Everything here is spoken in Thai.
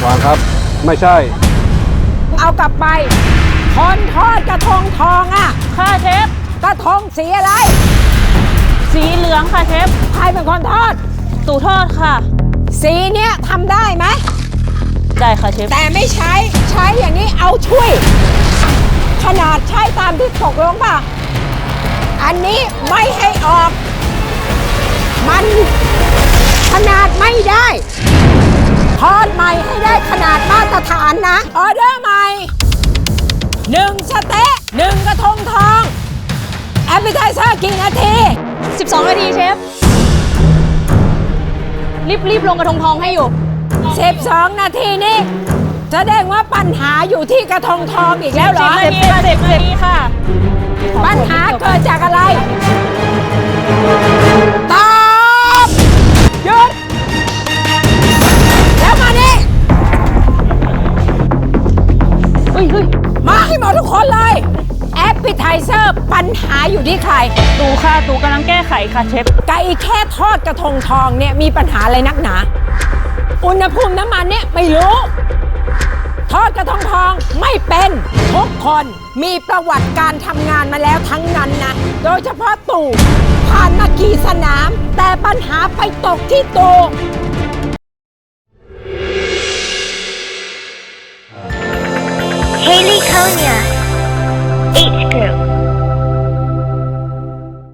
วางครับไม่ใช่เอากลับไปคนทอดกระทงทองอ่ะค่ะเชฟกระทงสีอะไรสีเหลืองค่ะเชฟใครเป็นคนทอดตู่ทอดค่ะสีเนี้ยทำได้ไหมได้ค่ะเชฟแต่ไม่ใช้อย่างนี้เอาช่วยขนาดใช้ตามที่ตกลงป่ะอันนี้ไม่ให้ออกมันขนาดไม่ได้ทอดใหม่ให้ได้ขนาดมาตรฐานนะออเดอร์ใหม่1สเต๊ะ1กระทงทองแอปเปิลไทเซอร์กี่นาที 12นาทีเชฟรีบลงกระทงทองให้อยู่ 12นาทีนี่แสดงว่าปัญหาอยู่ที่กระทงทองอีกแล้วเหรอ 10นาทีค่ะปัญหาเกิดจากอะไรตอบหยุดแล้วมานี่มาให้หมดทุกคนเลยแอปเปิลไทเซอร์ปัญหาอยู่ที่ใครตู่ค่ะตู่กำลังแก้ไขค่ะเชฟไก่แค่ทอดกระทงทองเนี่ยมีปัญหาอะไรนักหนาอุณหภูมิน้ำมันเนี่ยไม่รู้ทอดกระทงทองไม่เป็นทุกคนมีประวัติการทำงานมาแล้วทั้งนั้นนะโดยเฉพาะตู่ผ่านมากี่สนามแต่ปัญหาไปตกที่ตู่